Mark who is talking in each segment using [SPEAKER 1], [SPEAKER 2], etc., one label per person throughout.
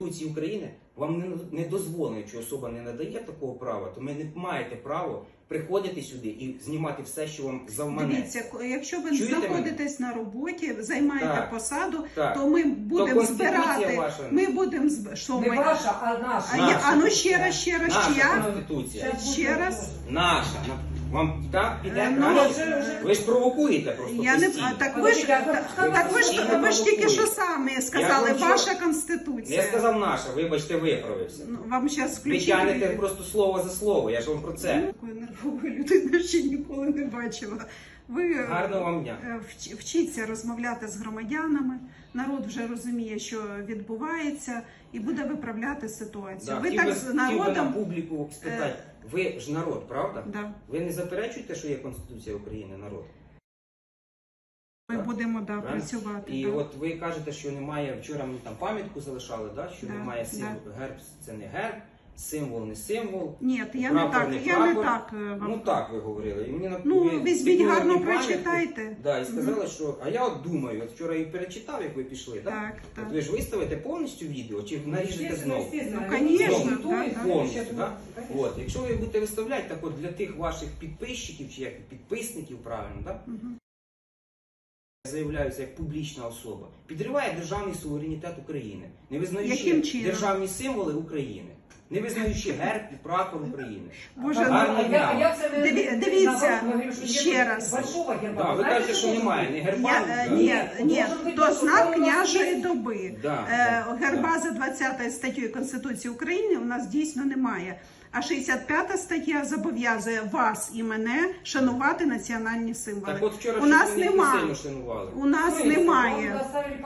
[SPEAKER 1] Конституції України вам не дозволено, якщо особа не надає такого права, то ви не маєте права приходити сюди і знімати все, що вам завманеться.
[SPEAKER 2] Дивіться, якщо ви
[SPEAKER 1] Чуєте
[SPEAKER 2] знаходитесь на роботі, займаєте
[SPEAKER 1] Так,
[SPEAKER 2] посаду,
[SPEAKER 1] так.
[SPEAKER 2] то ми будемо збирати.
[SPEAKER 1] ваша.
[SPEAKER 2] Ми будемо що
[SPEAKER 3] Не
[SPEAKER 2] ми.
[SPEAKER 3] ваша, а наша.
[SPEAKER 2] А ну ще раз,
[SPEAKER 1] Наша
[SPEAKER 2] чия?
[SPEAKER 1] Конституція.
[SPEAKER 2] Ще раз.
[SPEAKER 1] Наша. Вам так піде
[SPEAKER 2] Ну,
[SPEAKER 1] краще? Ви ж провокуєте просто
[SPEAKER 2] Я не
[SPEAKER 1] постійно.
[SPEAKER 2] так ви ж ви ж тільки що самі сказали,
[SPEAKER 1] вам
[SPEAKER 2] ваша
[SPEAKER 1] Не
[SPEAKER 2] конституція.
[SPEAKER 1] сказав наша, вибачте, виправився.
[SPEAKER 2] Ну, вам зараз
[SPEAKER 1] Ви
[SPEAKER 2] включити.
[SPEAKER 1] тягнете просто слово за слово, я ж вам про це.
[SPEAKER 2] Такої нервової людини ще ніколи не бачила. Ви
[SPEAKER 1] Гарного вам дня.
[SPEAKER 2] вчіться розмовляти з громадянами. Народ вже розуміє, що відбувається, і буде виправляти ситуацію.
[SPEAKER 1] Да,
[SPEAKER 2] Ви
[SPEAKER 1] хотів
[SPEAKER 2] так
[SPEAKER 1] би-
[SPEAKER 2] з
[SPEAKER 1] хотів би на
[SPEAKER 2] народом.
[SPEAKER 1] публіку спитати, ви ж народ, правда?
[SPEAKER 2] Да.
[SPEAKER 1] Ви не заперечуєте, що є Конституція України, народ?
[SPEAKER 2] Ми
[SPEAKER 1] Так?
[SPEAKER 2] будемо
[SPEAKER 1] Правильно?
[SPEAKER 2] працювати.
[SPEAKER 1] І
[SPEAKER 2] да.
[SPEAKER 1] от ви кажете, що немає, вчора мені там пам'ятку залишали, да? Що
[SPEAKER 2] Да,
[SPEAKER 1] немає
[SPEAKER 2] да.
[SPEAKER 1] герб, це не герб, символ не символ.
[SPEAKER 2] Ні, я не
[SPEAKER 1] прапор
[SPEAKER 2] так.
[SPEAKER 1] не
[SPEAKER 2] Я не
[SPEAKER 1] прапор.
[SPEAKER 2] так вам.
[SPEAKER 1] Ну так ви говорили. І мені
[SPEAKER 2] Ну,
[SPEAKER 1] ви
[SPEAKER 2] візьміть
[SPEAKER 1] скинули
[SPEAKER 2] гарно
[SPEAKER 1] мені пам'ятку.
[SPEAKER 2] прочитайте.
[SPEAKER 1] Да, і сказали, що, а я от думаю, от вчора і перечитав, як ви пішли, так?
[SPEAKER 2] Так, так.
[SPEAKER 1] От ви ж виставите повністю відео, чи наріжете знову?
[SPEAKER 2] Ну, конечно,
[SPEAKER 1] Знову.
[SPEAKER 2] да, да.
[SPEAKER 1] Повністю, так? От, якщо ви будете виставляти, так от для тих ваших підписчиків, чи як підписників, правильно, так?
[SPEAKER 2] Мгм.
[SPEAKER 1] Заявляюся як публічна особа, підриває державний суверенітет України, не
[SPEAKER 2] Яким
[SPEAKER 1] визнаючи
[SPEAKER 2] чином?
[SPEAKER 1] державні символи України, не визнаючи герб і прапор України.
[SPEAKER 2] Боже,
[SPEAKER 1] Гарно.
[SPEAKER 2] Дивіться, ще раз.
[SPEAKER 3] Большого герба.
[SPEAKER 1] Да, ви
[SPEAKER 3] Знаєте,
[SPEAKER 1] кажете, що
[SPEAKER 3] що
[SPEAKER 1] немає ні герба,
[SPEAKER 2] Ні, то знак княжої доби.
[SPEAKER 1] Да,
[SPEAKER 2] Герба за 20 статтею Конституції України у нас дійсно немає. А 65 стаття зобов'язує вас і мене шанувати національні символи.
[SPEAKER 1] Так от вчора
[SPEAKER 2] У нас
[SPEAKER 1] щось ви не
[SPEAKER 2] немає.
[SPEAKER 1] сильно шанували.
[SPEAKER 2] У нас немає.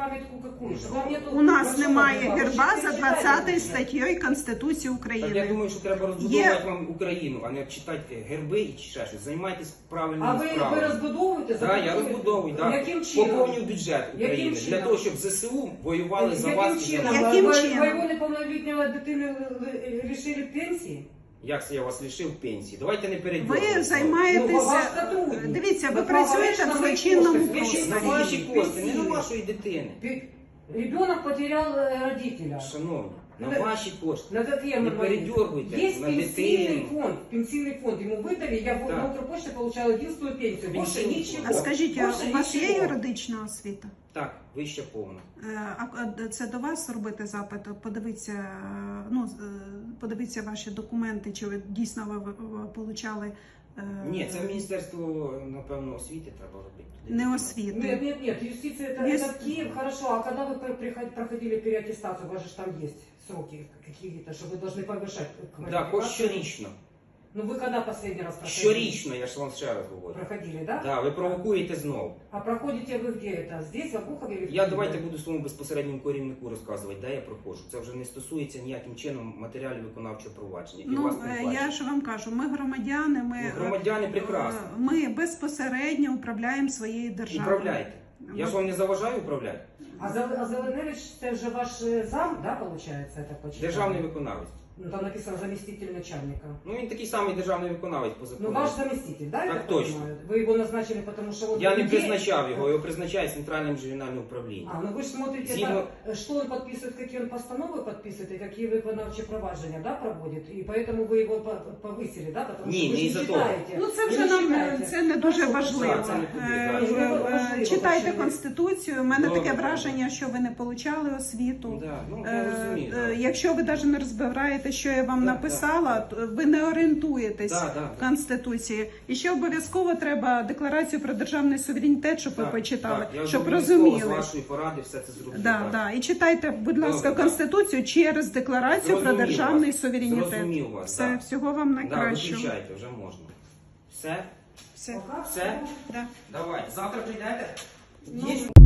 [SPEAKER 2] У нас немає герба за 20 статтею Конституції
[SPEAKER 1] Так я
[SPEAKER 2] України.
[SPEAKER 1] думаю, що треба розбудовувати вам Україну, а не читати герби і ще щось. Займайтесь
[SPEAKER 3] А
[SPEAKER 1] правильними
[SPEAKER 3] ви
[SPEAKER 1] справами.
[SPEAKER 3] розбудовуєте?
[SPEAKER 1] Так, я розбудовую, так.
[SPEAKER 3] Яким чином?
[SPEAKER 1] Поповню бюджет України
[SPEAKER 3] Яким
[SPEAKER 1] для
[SPEAKER 3] чином?
[SPEAKER 1] того, щоб ЗСУ воювали за вас і за
[SPEAKER 3] чином?
[SPEAKER 1] нас.
[SPEAKER 2] Яким
[SPEAKER 3] Ви
[SPEAKER 2] чином?
[SPEAKER 3] Моєго неповнолітнього дитини лишили пенсії?
[SPEAKER 1] Як це я вас лишив пенсії? Давайте не
[SPEAKER 2] Ви
[SPEAKER 1] перейдемо.
[SPEAKER 3] Ну,
[SPEAKER 2] займаєтеся.
[SPEAKER 3] ваш сотрудник.
[SPEAKER 2] Дивіться, ви
[SPEAKER 3] Ви
[SPEAKER 2] працюєте в
[SPEAKER 3] на
[SPEAKER 2] злочинному
[SPEAKER 3] ваші кошти.
[SPEAKER 1] На
[SPEAKER 2] просторі.
[SPEAKER 1] ваші кошти, не на
[SPEAKER 3] Пенсії.
[SPEAKER 1] вашої дитини.
[SPEAKER 3] Ребенок потерял родителя.
[SPEAKER 1] Шановні, на
[SPEAKER 3] Ну,
[SPEAKER 1] ваші кошти.
[SPEAKER 3] На какие
[SPEAKER 1] Не
[SPEAKER 3] мы
[SPEAKER 1] передергивайте
[SPEAKER 3] Есть
[SPEAKER 1] на
[SPEAKER 3] пенсийный фонд. Ему выдали, я
[SPEAKER 1] Да.
[SPEAKER 3] на Укрпочте получала единственную пенсию. Больше
[SPEAKER 1] Пенсійний
[SPEAKER 3] ничего.
[SPEAKER 1] фонд.
[SPEAKER 2] А скажіть,
[SPEAKER 3] Больше
[SPEAKER 2] у вас є
[SPEAKER 3] ничего.
[SPEAKER 2] юридична освіта?
[SPEAKER 1] Так, вище повно.
[SPEAKER 2] А це до вас робити запит? Подивіться, подивіться ваші документи, чи ви дійсно ви получали
[SPEAKER 1] Ні, це в Міністерство, напевно, освіти треба робити.
[SPEAKER 2] не освіти.
[SPEAKER 3] Нет, юстиция это в Киев, хорошо. А когда вы проходили переаттестацию, у вас же там есть сроки какие-то, что вы должны повышать
[SPEAKER 1] Так, щорічно.
[SPEAKER 3] Ну вы когда последний раз проходили?
[SPEAKER 1] Щорічно, я ж вам ще раз говорю.
[SPEAKER 3] Проходили, да?
[SPEAKER 1] Так, ви провокуєте знову.
[SPEAKER 3] А проходите вы где это? Здесь, в Обухове или в
[SPEAKER 1] Я
[SPEAKER 3] Киеве?
[SPEAKER 1] давайте буду своєму безпосередньому керівнику розказувати, де я проходжу. Це вже не стосується ніяким чином матеріалів виконавчого провадження. І
[SPEAKER 2] Ну,
[SPEAKER 1] вас не плачуть.
[SPEAKER 2] я ж вам кажу, ми громадяни,
[SPEAKER 1] Ну, громадяни прекрасно.
[SPEAKER 2] ми безпосередньо управляємо своєю державою.
[SPEAKER 1] Управляйте. Я ж вам не заважаю управляти.
[SPEAKER 3] А Зеленевич, это же ваш зам, да, получается, это почему?
[SPEAKER 1] Державний виконавець.
[SPEAKER 3] Ну, там написано заместитель начальника.
[SPEAKER 1] Ну він такий самий державний виконавець по закону.
[SPEAKER 3] Ну, ваш заместитель, да, я
[SPEAKER 1] Так
[SPEAKER 3] так
[SPEAKER 1] точно.
[SPEAKER 3] понимаю? Вы его назначили, потому что он...
[SPEAKER 1] Я не
[SPEAKER 3] людей-
[SPEAKER 1] призначав його призначає центральне регіональне управління.
[SPEAKER 3] А, ну вы же смотрите,
[SPEAKER 1] Згідно-
[SPEAKER 3] что он подписывает, какие он постановы подписывает, и какие виконавчі провадження, да, проводит, и поэтому вы его повысили, да, потому
[SPEAKER 1] Не,
[SPEAKER 3] что вы
[SPEAKER 1] не
[SPEAKER 3] же
[SPEAKER 1] из-за того.
[SPEAKER 3] читаете.
[SPEAKER 2] Ну, це
[SPEAKER 3] Ви
[SPEAKER 2] вже
[SPEAKER 3] не
[SPEAKER 2] нам
[SPEAKER 3] читаєте.
[SPEAKER 2] це не дуже важливо.
[SPEAKER 1] Так, це не туди, так.
[SPEAKER 3] Важливо,
[SPEAKER 2] Читайте
[SPEAKER 3] важливо.
[SPEAKER 2] Конституцію. У мене
[SPEAKER 1] Добре,
[SPEAKER 2] таке
[SPEAKER 1] добре.
[SPEAKER 2] враження, що ви не получали освіту.
[SPEAKER 1] Да, ну, я розумію. да.
[SPEAKER 2] Якщо ви навіть не розбираєте, що я вам
[SPEAKER 1] Так,
[SPEAKER 2] написала, то ви не орієнтуєтесь
[SPEAKER 1] Да, да,
[SPEAKER 2] в Конституції. І ще обов'язково треба декларацію про державний суверенітет, щоб ви
[SPEAKER 1] Так,
[SPEAKER 2] почитали,
[SPEAKER 1] так, я
[SPEAKER 2] щоб
[SPEAKER 1] обов'язково
[SPEAKER 2] розуміли.
[SPEAKER 1] з вашої поради все це зроблю.
[SPEAKER 2] Да,
[SPEAKER 1] так.
[SPEAKER 2] да. І читайте, будь ласка,
[SPEAKER 1] Добре,
[SPEAKER 2] Конституцію через декларацію про
[SPEAKER 1] Зрозумів
[SPEAKER 2] державний
[SPEAKER 1] вас.
[SPEAKER 2] суверенітет.
[SPEAKER 1] Зрозумів вас,
[SPEAKER 2] Все,
[SPEAKER 1] да.
[SPEAKER 2] всього вам
[SPEAKER 1] Да,
[SPEAKER 2] найкращого.
[SPEAKER 1] виключайте, вже можна. Все?
[SPEAKER 2] Все.
[SPEAKER 3] Пока.
[SPEAKER 1] Все?
[SPEAKER 2] Да.
[SPEAKER 1] Давай. Завтра прийдете?
[SPEAKER 2] Ну,
[SPEAKER 1] Є?